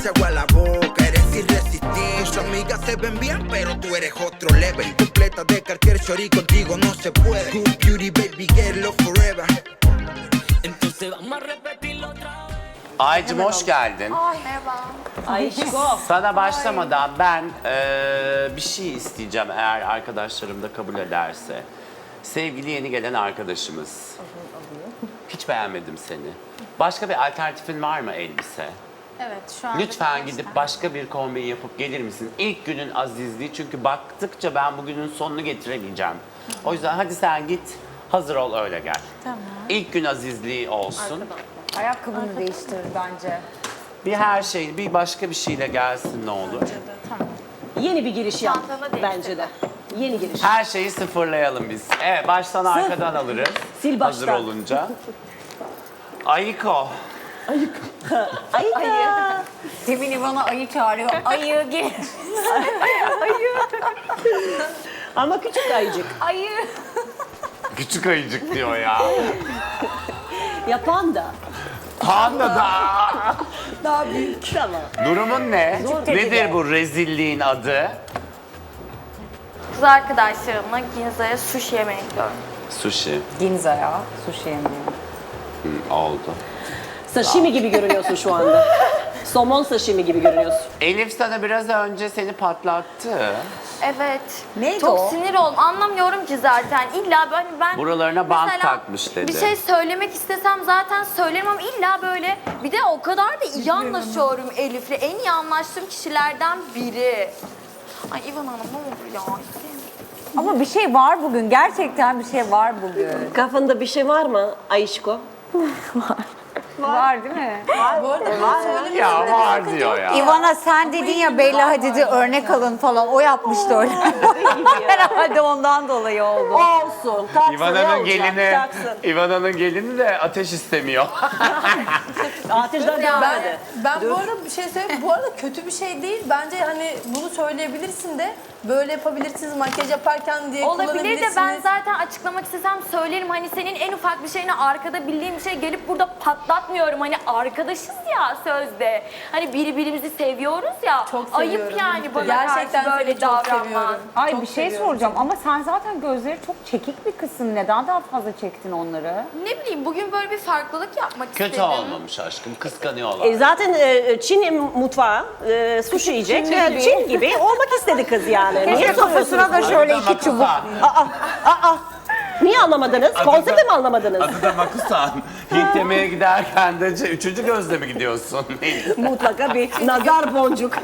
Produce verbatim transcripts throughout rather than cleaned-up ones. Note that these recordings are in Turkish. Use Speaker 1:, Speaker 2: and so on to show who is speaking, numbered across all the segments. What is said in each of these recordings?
Speaker 1: se agua la boca, eres irresistible. Tus amigas se ven bien, pero tú eres otro level. Completa de cualquier shorty, contigo no se puede. Good beauty, baby, get love forever.
Speaker 2: Entonces vamos a repetirlo otra vez.
Speaker 3: Aycım hoş geldin.
Speaker 4: Ay merhaba.
Speaker 5: Ayşko.
Speaker 3: Sana başlamadan ben eee, bir şey isteyeceğim eğer arkadaşlarım da kabul ederse. Sevgili yeni gelen arkadaşımız. Hiç beğenmedim seni. Başka bir alternatifin var mı elbise?
Speaker 4: Evet şu an.
Speaker 3: Lütfen gidip başka bir kombin yapıp gelir misin? İlk günün azizliği çünkü baktıkça ben bugünün sonunu getiremeyeceğim. O yüzden hadi sen git hazır ol öyle gel.
Speaker 4: Tamam.
Speaker 3: İlk gün azizliği olsun.
Speaker 6: Ayakkabını değiştir bence.
Speaker 3: Bir her şey, bir başka bir şeyle gelsin ne olur.
Speaker 5: Yeni bir giriş yap
Speaker 4: Çantanı değiştir.
Speaker 5: bence de. Yeni giriş.
Speaker 3: Her şeyi sıfırlayalım biz. Evet, baştan arkadan alırız.
Speaker 5: Sil
Speaker 3: Hazır
Speaker 5: baştan.
Speaker 3: olunca. Ayiko.
Speaker 5: Ayı.
Speaker 6: Demin İvan'a ayı çağırıyor. Ayı gel.
Speaker 5: Ama küçük ayıcık.
Speaker 6: Ayı.
Speaker 3: Küçük ayıcık diyor ya.
Speaker 5: Yapan da.
Speaker 3: Panda da.
Speaker 5: Daha büyük. Tamam.
Speaker 3: Durumun ne?
Speaker 5: dedi
Speaker 3: Nedir
Speaker 5: de.
Speaker 3: bu rezilliğin adı?
Speaker 4: Kız arkadaşlarımla Ginza'ya sushi yemeye gidiyorum.
Speaker 3: Sushi.
Speaker 6: Ginza'ya sushi yemiyor.
Speaker 3: Hı, oldu.
Speaker 5: Sashimi gibi görünüyorsun şu anda. Somon sashimi gibi görünüyorsun.
Speaker 3: Elif sana biraz önce seni patlattı.
Speaker 4: Evet.
Speaker 6: Neydi
Speaker 4: Çok
Speaker 6: o?
Speaker 4: sinir oldum. Anlamıyorum ki zaten. İlla ben ben
Speaker 3: Buralarına bant
Speaker 4: mesela
Speaker 3: takmış dedi.
Speaker 4: Bir şey söylemek istesem zaten söylerim ama illa böyle bir de o kadar da iyi anlaşıyorum Elif'le. En iyi anlaştığım kişilerden biri. Ay İvan Hanım ne olur ya.
Speaker 6: Ama bir şey var bugün. Gerçekten bir şey var bugün.
Speaker 5: Kafanda bir şey var mı Ayşko?
Speaker 6: Var değil mi?
Speaker 3: Ya var diyor ya.
Speaker 6: İvan'a sen dedin ya Bella Hadid'i örnek alın falan. O yapmıştı öyle. Herhalde ondan dolayı oldu.
Speaker 5: Olsun. Taksın. ne
Speaker 3: İvana'nın
Speaker 5: olacak?
Speaker 3: gelini,
Speaker 5: Taksın.
Speaker 3: İvana'nın gelini de ateş istemiyor.
Speaker 5: Ateşten devam
Speaker 7: Ben,
Speaker 5: hadi.
Speaker 7: ben bu arada bir şey söyleyeyim. Bu arada kötü bir şey değil. Bence hani bunu söyleyebilirsin de böyle yapabilirsiniz makyaj yaparken diye
Speaker 4: Olabilir de
Speaker 7: kullanabilirsiniz.
Speaker 4: ben zaten açıklamak istesem söylerim. Hani senin en ufak bir şeyini arkada bildiğim bir şey gelip burada patlatmıyorum. Hani arkadaşız ya sözde. Hani birbirimizi seviyoruz ya.
Speaker 7: Çok
Speaker 4: Ayıp
Speaker 7: seviyorum.
Speaker 4: yani bana
Speaker 7: Gerçekten
Speaker 4: karşı böyle
Speaker 7: seni çok
Speaker 4: davranman.
Speaker 7: seviyorum.
Speaker 6: Ay
Speaker 7: Çok
Speaker 6: bir şey
Speaker 7: seviyorum
Speaker 6: soracağım ama sen zaten gözleri çok çekik bir kızsın. Neden daha fazla çektin onları?
Speaker 4: Ne bileyim bugün böyle bir farklılık yapmak
Speaker 3: Kötü
Speaker 4: istedim.
Speaker 3: olmamış aşkım, kıskanıyorlar.
Speaker 5: E, zaten e, Çin mutfağı, e, sushi yiyecek.
Speaker 6: Çin
Speaker 5: E,
Speaker 6: gibi.
Speaker 5: Çin gibi olmak istedi kız yani. Niye
Speaker 6: Keşke kafasına da şöyle
Speaker 3: Adı da
Speaker 6: iki çubuk.
Speaker 3: Makusan.
Speaker 5: Aa, niye anlamadınız? Konsepti mi anlamadınız?
Speaker 3: Adı da Makusan. Hint yemeğe giderken de ce- üçüncü gözle mi gidiyorsun?
Speaker 5: Mutlaka bir nazar boncuk.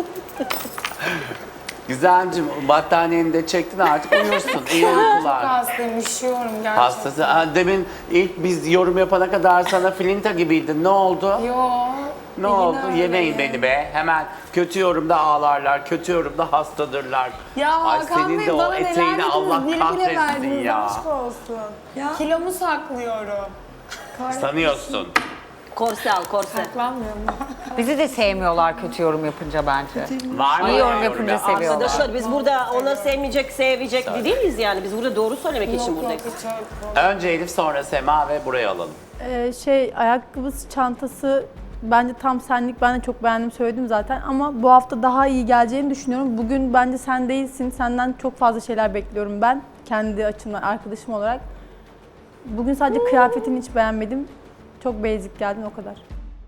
Speaker 3: Güzelcim, battaniyeni de çektin artık uyursun. İyi uykular.
Speaker 7: hastayım, üşüyorum gerçekten.
Speaker 3: Hastası. Ha, demin ilk biz yorum yapana kadar sana filinta gibiydin. Ne oldu?
Speaker 7: Yo.
Speaker 3: Ne oldu? Yemeyin beni be. Hemen kötü yorumda ağlarlar, kötü yorumda hastadırlar.
Speaker 7: Ya
Speaker 3: Ay
Speaker 7: Hakan
Speaker 3: senin
Speaker 7: Bey
Speaker 3: de o
Speaker 7: bana neler
Speaker 3: eteğini
Speaker 7: dediniz,
Speaker 3: Allah
Speaker 7: bile bile
Speaker 3: kahretsin
Speaker 7: verdiniz,
Speaker 3: ya.
Speaker 7: aşk olsun. Kilomu saklıyorum.
Speaker 3: Sanıyorsun.
Speaker 5: Korse al, korse.
Speaker 7: Saklanmıyorum.
Speaker 6: Bizi de sevmiyorlar kötü yorum yapınca bence.
Speaker 3: Var mı?
Speaker 6: İyi yorum yapınca
Speaker 3: yapan?
Speaker 6: seviyorlar.
Speaker 5: Arkadaşlar biz burada onları sevmeyecek, sevecek değil miyiz yani? Biz burada doğru söylemek için buradayız.
Speaker 3: Önce Elif sonra Sema ve buraya alalım.
Speaker 8: Ee, şey ayakkabısı, çantası bence tam senlik. Ben de çok beğendim, söyledim zaten ama bu hafta daha iyi geleceğini düşünüyorum. Bugün bence sen değilsin. Senden çok fazla şeyler bekliyorum ben kendi açımdan, arkadaşım olarak. Bugün sadece kıyafetini hiç beğenmedim. Çok basic geldin o kadar.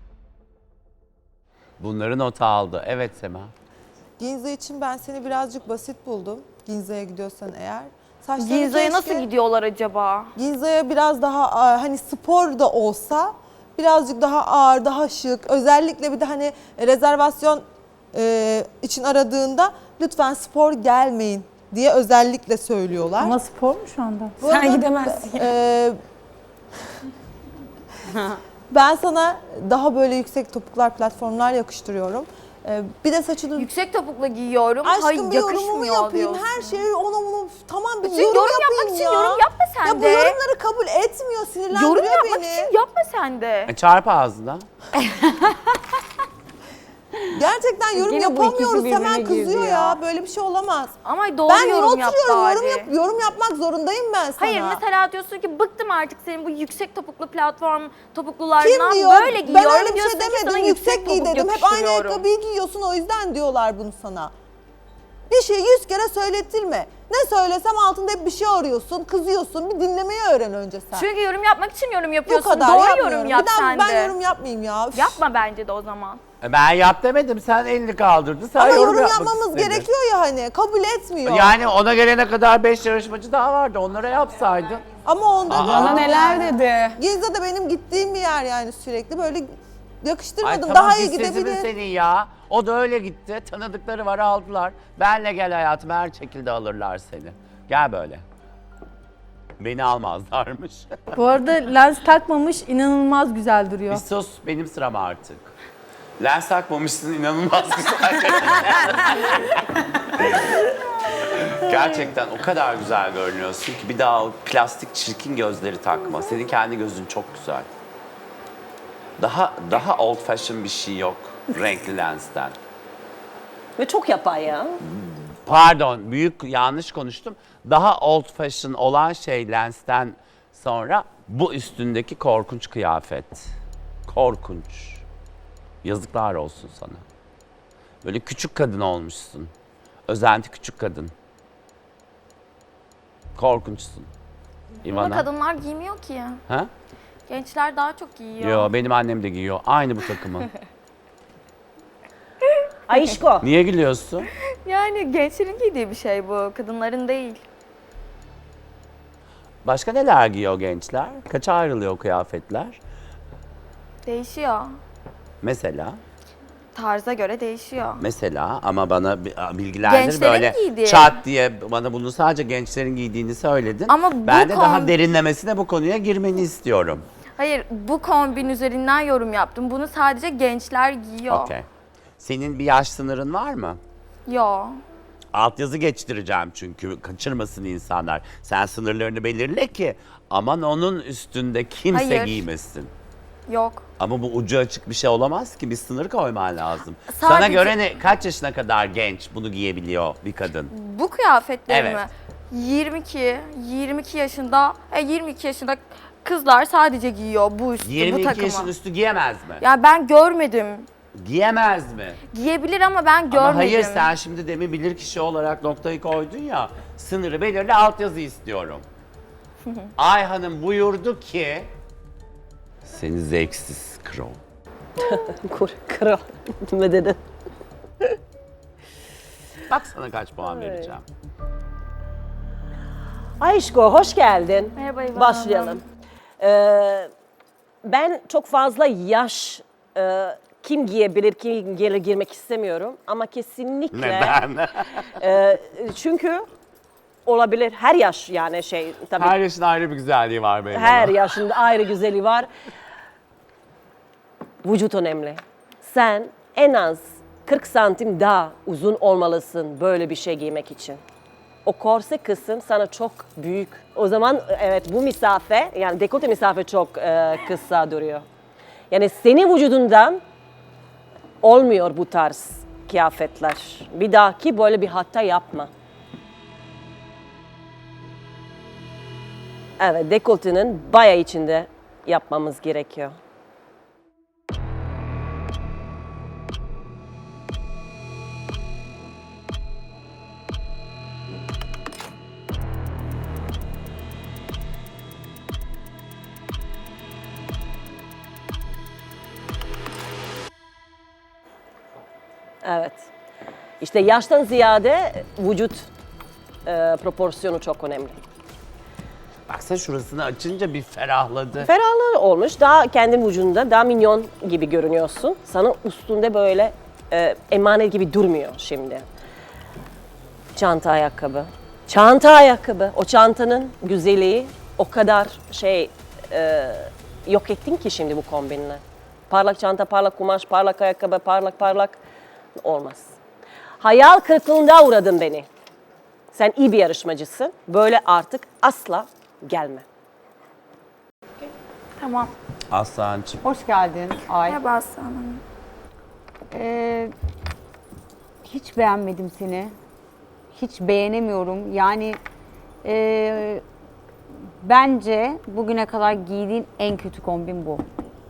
Speaker 3: Bunları nota aldı. Evet Sema.
Speaker 9: Ginza için ben seni birazcık basit buldum. Ginza'ya gidiyorsan eğer. Saçlarını
Speaker 4: Ginza'ya
Speaker 9: keşke-
Speaker 4: nasıl gidiyorlar acaba?
Speaker 9: Ginza'ya biraz daha a, hani spor da olsa birazcık daha ağır, daha şık. Özellikle bir de hani rezervasyon e, için aradığında lütfen spor gelmeyin diye özellikle söylüyorlar.
Speaker 8: Ama spor mu şu anda?
Speaker 9: Bu arada,
Speaker 7: gidemezsin.
Speaker 9: e, ben sana daha böyle yüksek topuklar, platformlar yakıştırıyorum. E, bir de saçını...
Speaker 4: Yüksek topukla giyiyorum.
Speaker 9: Aşkım
Speaker 4: Hayır
Speaker 9: bir yorumumu
Speaker 4: yakışmıyor
Speaker 9: yapayım.
Speaker 4: diyorsun.
Speaker 9: Her şeyi ona bunu tamam bir
Speaker 4: Bütün
Speaker 9: yorum,
Speaker 4: yorum
Speaker 9: yapayım
Speaker 4: yapmak için
Speaker 9: ya.
Speaker 4: yorum yapma sen
Speaker 9: ya
Speaker 4: de.
Speaker 9: bu yorumları kabul etmiyor, sinirlendiriyor
Speaker 4: Yorum yapmak
Speaker 9: beni.
Speaker 4: için yapma sen de.
Speaker 3: E, çarp ağzına.
Speaker 9: Gerçekten yorum
Speaker 6: Yine bu ikisi
Speaker 9: yapamıyoruz. Hemen
Speaker 6: birbirine girdi
Speaker 9: kızıyor ya.
Speaker 6: ya.
Speaker 9: Böyle bir şey olamaz.
Speaker 4: Ama doğru
Speaker 9: Ben
Speaker 4: yorum yap
Speaker 9: oturuyorum,
Speaker 4: bari.
Speaker 9: yorum, yap, yorum yapmak zorundayım ben sana.
Speaker 4: Hayır mesela diyorsun ki bıktım artık senin bu yüksek topuklu platform topuklularından
Speaker 9: Kim diyor?
Speaker 4: böyle
Speaker 9: Ben
Speaker 4: giyiyorum
Speaker 9: öyle bir
Speaker 4: diyorsun
Speaker 9: şey
Speaker 4: ki sana
Speaker 9: demedim. Yüksek giy
Speaker 4: topuk
Speaker 9: dedim. Hep aynı
Speaker 4: yakıştırıyorum.
Speaker 9: ayakkabıyı giyiyorsun, o yüzden diyorlar bunu sana. Bir şeyi yüz kere söyletilme. Ne söylesem altında hep bir şey arıyorsun, kızıyorsun. Bir dinlemeyi öğren önce sen.
Speaker 4: Çünkü yorum yapmak için yorum
Speaker 9: Bu
Speaker 4: yapıyorsun.
Speaker 9: kadar
Speaker 4: Doğru
Speaker 9: yapmıyorum.
Speaker 4: yorum yap
Speaker 9: bir daha
Speaker 4: sen
Speaker 9: ben
Speaker 4: de.
Speaker 9: yorum yapmayayım ya. Üf.
Speaker 4: Yapma bence de o zaman.
Speaker 3: E, Ben yap demedim. Sen elini kaldırdın. Sen
Speaker 9: Ama
Speaker 3: yorum,
Speaker 9: yorum
Speaker 3: yapmak
Speaker 9: yapmamız
Speaker 3: istedin.
Speaker 9: gerekiyor ya hani. Kabul etmiyor.
Speaker 3: Yani ona gelene kadar beş yarışmacı daha vardı. Onlara yapsaydın.
Speaker 9: Ama onda
Speaker 3: Aa.
Speaker 6: Bana neler dedi.
Speaker 9: Gizli de benim gittiğim bir yer yani sürekli. Böyle
Speaker 3: Ay
Speaker 9: yakıştırmadım.
Speaker 3: tamam,
Speaker 9: Daha iyi
Speaker 3: biz sesimiz
Speaker 9: gidebilir.
Speaker 3: senin ya. O da öyle gitti. Tanıdıkları var, aldılar. Benle gel hayatım, her şekilde alırlar seni. Gel böyle. Beni almazlarmış.
Speaker 8: Bu arada lens takmamış, inanılmaz güzel duruyor.
Speaker 3: Bir sus, benim sıram artık. Lens takmamışsın, inanılmaz güzel. Gerçekten o kadar güzel görünüyorsun ki bir daha o plastik çirkin gözleri takma. Senin kendi gözün çok güzel. Daha daha old fashion bir şey yok renkli lensten.
Speaker 5: Ve çok yapay ya.
Speaker 3: Pardon, büyük yanlış konuştum. Daha old fashion olan şey lensten sonra bu üstündeki korkunç kıyafet. Korkunç. Yazıklar olsun sana. Böyle küçük kadın olmuşsun. Özenti küçük kadın. Korkunçsun.
Speaker 4: Ama
Speaker 3: İvana.
Speaker 4: kadınlar giymiyor ki.
Speaker 3: Ha?
Speaker 4: Gençler daha çok giyiyor.
Speaker 3: Yo, benim annem de giyiyor. Aynı bu takımı.
Speaker 5: Ayşko.
Speaker 3: Niye gülüyorsun?
Speaker 4: Yani gençlerin giydiği bir şey bu. Kadınların değil.
Speaker 3: Başka neler giyiyor gençler? Kaça ayrılıyor kıyafetler?
Speaker 4: Değişiyor.
Speaker 3: Mesela?
Speaker 4: Tarza göre değişiyor.
Speaker 3: Mesela ama bana bi- bilgilendir
Speaker 4: Gençlerin
Speaker 3: böyle
Speaker 4: giydiği.
Speaker 3: çat diye bana bunu sadece gençlerin giydiğini söyledin.
Speaker 4: Ama bu
Speaker 3: ben de daha
Speaker 4: kon-
Speaker 3: derinlemesine bu konuya girmeni istiyorum.
Speaker 4: Hayır, bu kombin üzerinden yorum yaptım. Bunu sadece gençler giyiyor.
Speaker 3: Okey. Senin bir yaş sınırın var mı?
Speaker 4: Yo.
Speaker 3: Altyazı geçtireceğim çünkü kaçırmasın insanlar. Sen sınırlarını belirle ki aman onun üstünde kimse
Speaker 4: Hayır.
Speaker 3: giymesin.
Speaker 4: Yok.
Speaker 3: Ama bu ucu açık bir şey olamaz ki, bir sınır koyman lazım.
Speaker 4: Sadece-
Speaker 3: Sana göre ne, kaç yaşına kadar genç bunu giyebiliyor bir kadın?
Speaker 4: Bu kıyafetleri
Speaker 3: Evet.
Speaker 4: mi? yirmi iki, yirmi iki yaşında, e, yirmi iki yaşında kızlar sadece giyiyor bu üstü, bu
Speaker 3: yirmi iki
Speaker 4: takımı.
Speaker 3: yaşın üstü giyemez mi?
Speaker 4: Ya ben görmedim.
Speaker 3: Giyemez mi?
Speaker 4: Giyebilir ama ben görmedim.
Speaker 3: Ama hayır, sen şimdi demin bilirkişi olarak noktayı koydun ya, sınırı belirli, altyazı istiyorum. Ayhan'ım buyurdu ki, seni zevksiz kro.
Speaker 5: Kur, kral. Ne dedin?
Speaker 3: Bak sana kaç puan vereceğim.
Speaker 5: Ayşko hoş geldin.
Speaker 4: Merhaba İvan
Speaker 5: Başlayalım. Ee, ben çok fazla yaş e, kim giyebilir, kim gelir girmek istemiyorum. Ama kesinlikle...
Speaker 3: Neden?
Speaker 5: e, çünkü olabilir her yaş yani şey tabii
Speaker 3: Her yaşın ayrı bir güzelliği var benim.
Speaker 5: her
Speaker 3: ama.
Speaker 5: yaşında ayrı güzeli var. Vücut önemli. Sen en az kırk santim daha uzun olmalısın böyle bir şey giymek için. O korse kısım sana çok büyük. O zaman evet bu mesafe yani dekolte mesafe çok e, kısa duruyor. Yani senin vücudundan olmuyor bu tarz kıyafetler. Bir dahaki böyle bir hata yapma. Evet dekoltenin bayağı içinde yapmamız gerekiyor. Evet. İşte yaştan ziyade vücut e, proporsiyonu çok önemli.
Speaker 3: Baksana şurasını açınca bir ferahladı.
Speaker 5: Ferahlı olmuş. Daha kendi vücudunda daha minyon gibi görünüyorsun. Sana üstünde böyle e, emanet gibi durmuyor şimdi. Çanta ayakkabı. Çanta ayakkabı. O çantanın güzelliği o kadar şey e, yok ettin ki şimdi bu kombinle. Parlak çanta, parlak kumaş, parlak ayakkabı, parlak parlak olmaz. Hayal kırıklığına uğradın beni. Sen iyi bir yarışmacısın. Böyle artık asla gelme.
Speaker 4: Tamam.
Speaker 3: Aslancığım.
Speaker 6: Hoş geldin Ay.
Speaker 4: Merhaba Aslı Hanım.
Speaker 6: Ee, hiç beğenmedim seni. Hiç beğenemiyorum. Yani e, bence bugüne kadar giydiğin en kötü kombin bu.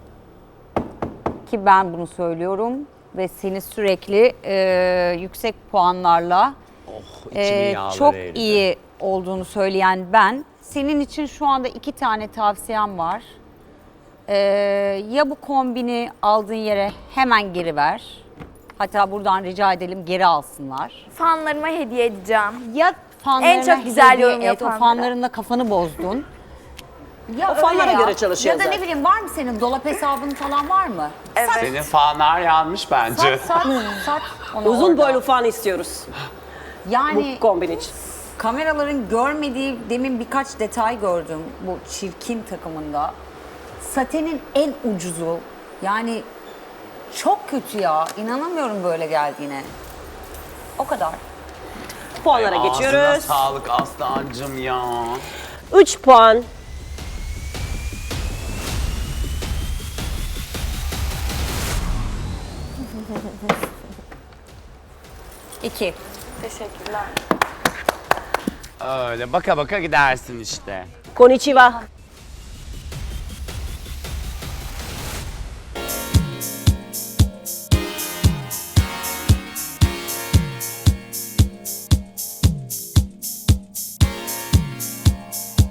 Speaker 6: Ki ben bunu söylüyorum ve seni sürekli e, yüksek puanlarla
Speaker 3: içimin
Speaker 6: e,
Speaker 3: yağları
Speaker 6: çok
Speaker 3: eridi.
Speaker 6: iyi olduğunu söyleyen ben. Senin için şu anda iki tane tavsiyem var. E, ya bu kombini aldığın yere hemen geri ver. Hatta buradan rica edelim geri alsınlar.
Speaker 4: Fanlarıma hediye edeceğim.
Speaker 6: Ya fanlarına
Speaker 4: En çok güzel
Speaker 6: hediye
Speaker 4: yorum
Speaker 6: et, o
Speaker 4: yapanlara.
Speaker 6: fanlarınla kafanı bozdun. Ya
Speaker 5: O
Speaker 6: öyle
Speaker 5: fanlara
Speaker 6: ya.
Speaker 5: göre çalışıyor
Speaker 6: Ya da ne
Speaker 5: zaten.
Speaker 6: bileyim var mı senin dolap hesabın falan var mı?
Speaker 4: Evet.
Speaker 3: Senin fanlar yanmış bence.
Speaker 6: Sat, sat onu
Speaker 5: Uzun
Speaker 6: orada.
Speaker 5: boylu fan istiyoruz
Speaker 6: Yani
Speaker 5: bu kombin için.
Speaker 6: kameraların görmediği demin birkaç detay gördüm bu çirkin takımında. Satenin en ucuzu. Yani çok kötü ya. İnanamıyorum böyle geldiğine. O kadar.
Speaker 5: Puanlara
Speaker 3: Ağzına
Speaker 5: geçiyoruz.
Speaker 3: sağlık Aslancığım ya.
Speaker 5: üç puan.
Speaker 6: İki.
Speaker 4: Teşekkürler.
Speaker 3: Öyle baka baka gidersin işte.
Speaker 5: Konnichiwa.